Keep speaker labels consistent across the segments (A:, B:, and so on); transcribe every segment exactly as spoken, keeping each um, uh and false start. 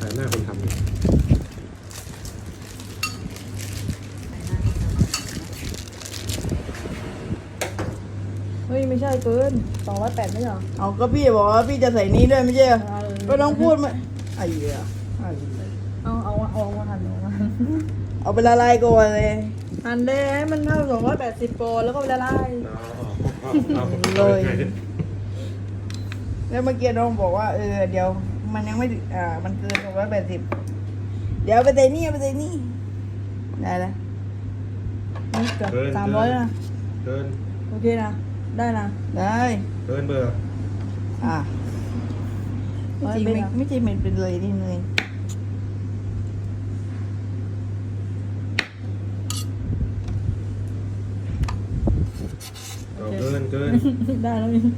A: หน้าคนทำดิ
B: เฮ้ยไม่ใช่เกินสองร้อยแปดไม่ใช่เหรอ
C: เอาก็พี่บอกว่าพี่จะใส่นี้ด้วยไม่ใช่เหรอ
B: เอาเลย
C: ก็ต้องพูดมาไอ้เหี้ยไอ้เหี้ย
B: เอาเอาเอามาหั่นเอามาหั่น
C: เอาไปละลายก่อนเลย
B: หั่นเลยให้มันเท่าสองร้อยแปดสิบโปรแล้วก็ไปละลาย
A: เอาเอาเอา
C: เลย แล้วเมื่อกี้น้องบอกว่าเออเดี๋ยวมันยังไม่ถึงอ่ามันเกินสองร้อยแปดสิบเดี๋ยวเอาไปใส่นี่เอาไปใส่นี่ได้แล้ว
B: นี่เกือบ
A: เกิน
B: สามร้อยนะ
A: เกิน
B: โอเคนะได้นะ
C: ได้
A: เกินเบอร์
C: อ่ะไม่จริงไม่ไม่จริงมันเป็นเลยนี่เลย
A: เอาเกินเกิน
B: ได้แล้วนี่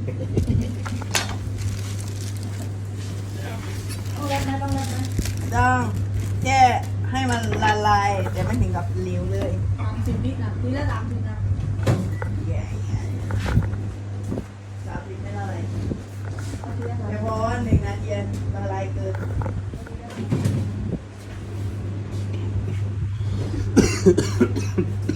B: ต้องแรกนะต้องแรกนะ
C: ต้องแค่ให้มันละลายแต่ไม่ถึงกับเหลวเลย
B: สามสิบวินะทีละสามสิบนะ
C: แย่แย่สามสิบไม่ละลาย
B: เอาทีละสาม
C: เฉ
B: สิบ
C: พาะว่าหนึ่งนาทีละลายเกิน